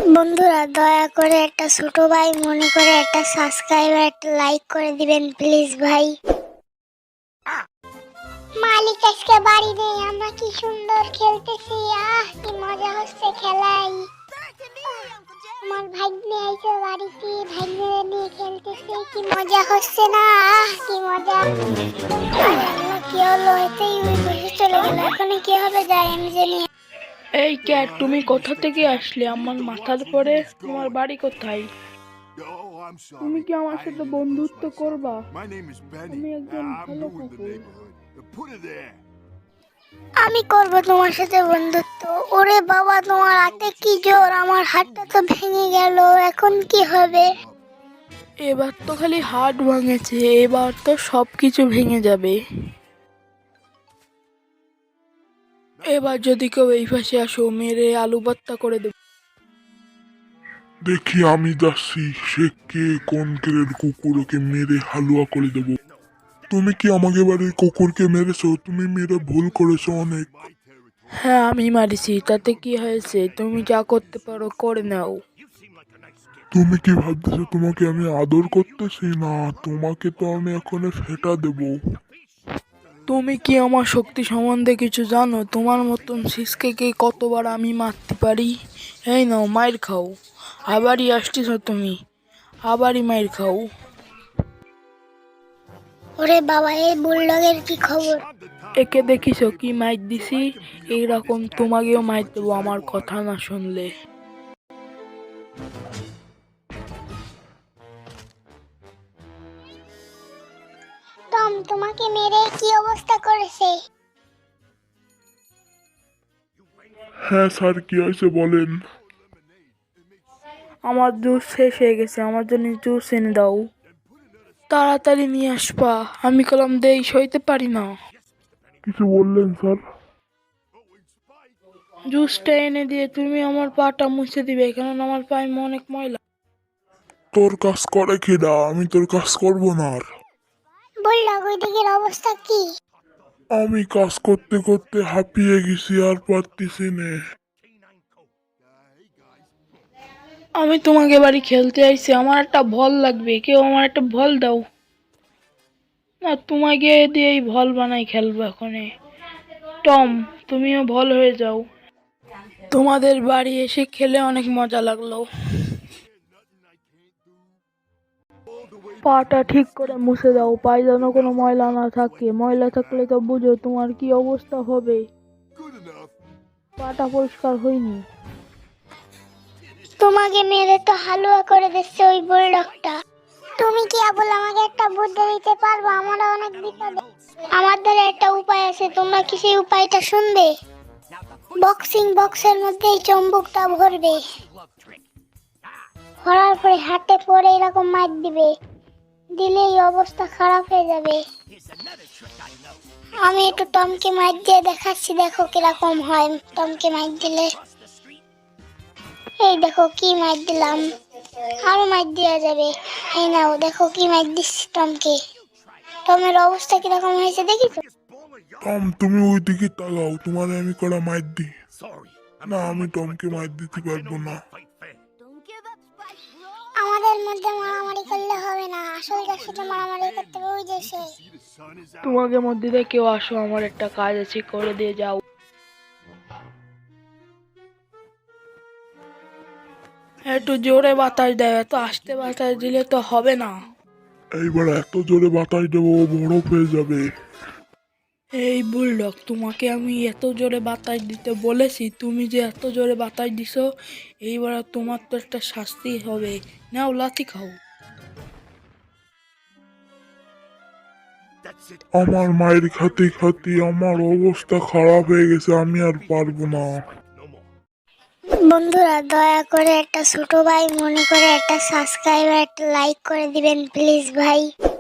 বন্ধুরা দয়া করে একটা ছোট ভাই মনে করে একটা সাবস্ক্রাইব আর একটা লাইক করে দিবেন প্লিজ ভাই। মালিক আজকে বাড়ি নেই, আমরা কি সুন্দর খেলতেছি, কি মজা হচ্ছে খেলাই। আমার ভাগ্নে আইছে বাড়িতে, ভাগ্নে নিয়ে খেলতেছি, কি মজা হচ্ছে না, কি মজা। কি হলো, এতেই ওই বসে চলে গেল, এখন কি হবে যাই আমি জানি। এই ক্যাট, তুমি কোথা থেকে আসলে? আমার মাথার পরে তোমার বাড়ি কোথায়? তুমি কি আমার সাথে বন্ধুত্ব করবা? আমি একজন ভালো কুকুর। আমি করব তোমার সাথে বন্ধুত্ব। ওরে বাবা, তোমার হাতে কি জোর, আমার হাতটা তো ভেঙে গেল, এখন কি হবে? এবার তো খালি হাট ভাঙেছে, এবার তো সবকিছু ভেঙে যাবে। এবার যদি কেউ এই পাশে আসো, মেরে আলু ভর্তা করে দেবো। দেখি আমি যাচ্ছি, সে কে, কোন কেলের কুকুর, ওকে মেরে হালুয়া করে দেবো। তুমি কি আমাকে বাড়ির কুকুরকে মেরেছো? তুমি মেরে ভুল করেছো অনেক। হ্যাঁ, আমি মারিছি, তাতে কি হয়েছে? তুমি যা করতে পারো করে নাও। তুমি কি ভাবতেছো তোমাকে আমি আদর করতেছি? না, তোমাকে তো আমি এখন ফেটা দেবো। তুমি কি আমার শক্তি সম্বন্ধে কিছু জানো? তোমার মতন শিসকে কতবার আমি মারতে পারি। এই নাও, মাইর খাও। আবারই আসতেছ তুমি, আবারই মাইর খাও। ওরে বাবা, এই বুলডগের কি খবর? একে দেখিস কি মাইর দিছি? এইরকম তোমাকেও মাইর দেবো আমার কথা না শুনলে। টম তোমাকে মেরে কি অবস্থা করেছে? হ্যাঁ স্যার, কি হয়েছে বলেন। আমার জুস শেষ হয়ে গেছে, আমার জন্য জুস এনে দাও। তাড়াতাড়ি নিয়ে আসবা, আমি কলম দেই সইতে পারি না। কিছু বললেন স্যার? জুসটা এনে দিয়ে তুমি আমার পাটা মুছে দিবে, কারণ আমার পায়ে অনেক ময়লা। তোর কাজ করে কিনা? আমি তোর কাজ করবো না আর। বুলডগ ওই দিকের অবস্থা কি? আমি কাজ করতে করতে হাঁপিয়ে গেছি, আর পারতেছি না। আমি তোমাকে বাড়ি খেলতে আইছি, আমার একটা বল লাগবে, কেউ আমার একটা বল দাও না। তোমাকে দিয়েই বল বানাই খেলবো এখনে। টম, তুমিও বল হয়ে যাও। তোমাদের বাড়ি এসে খেলে অনেক মজা লাগলো। পাটা ঠিক করে মুছে দাও, পায়ে যেন কোনো ময়লা না থাকে, ময়লা থাকলে তো বুঝো তোমার কি অবস্থা হবে। পাটা পরিষ্কার হয়নি। তোমাকে মেরে তো হালুয়া করে দিচ্ছে ওই বুলডগটা। তুমি কি আবুল আমাকে একটা বুদ্ধি দিতে পারবো? আমরা অনেক বিপদে। আমার দ্বারা একটা উপায় আছে, তোমরা কি সেই উপায়টা শুনবে? বক্সিং বক্সের মধ্যে এই চম্বুকটা ভরবে, ভরার পরে হাতে পরে এরকম মার দিবে, দিলেই অবস্থা খারাপ হয়ে যাবে। আমি একটু টমকে মার দিয়ে দেখাচ্ছি, দেখো কিরকম হয় টমকে মার দিলে। এই দেখো কি মার দিলাম, আরো মার দেওয়া যাবে। এই নাও, দেখো কি মার দিচ্ছি টমকে। টমের অবস্থা কিরকম হয়েছে দেখিছো? টম, তুমি ওই দিকে তাকাও, তোমার আমি করা মাইর দিই। না, আমি টমকে মাইর দিতে পারবো না। আমাদের মধ্যে মারামারি করলে হবে না, আসল যার সাথে মারামারি করতে হবে ওই যে সে। তোমাকে মধ্যে দিয়ে কেউ আসো, আমার একটা কাজ আছে, করে দিয়ে যাও। একটু জোরে বাতাস দেয়, এত আস্তে বাতাস দিলে তো হবে না। এইবার এত জোরে বাতাস দেবো, ও বরফ হয়ে যাবে। এই বুলডগ, তোমাকে আমি এত জোরে বাতাস দিতে বলেছি, তুমি যে এত জোরে বাতাস দিছো, এইবার তোমার তো একটা শাস্তি হবে। নাও, লাথি খাও। আমার মায়ের খাতে খাতে আমার অবস্থা খারাপ হয়ে গেছে, আমি আর পারবো না। বন্ধুরা দয়া করে একটা ছোট ভাই মনে করে একটা সাবস্ক্রাইব আর একটা লাইক করে দিবেন প্লিজ ভাই।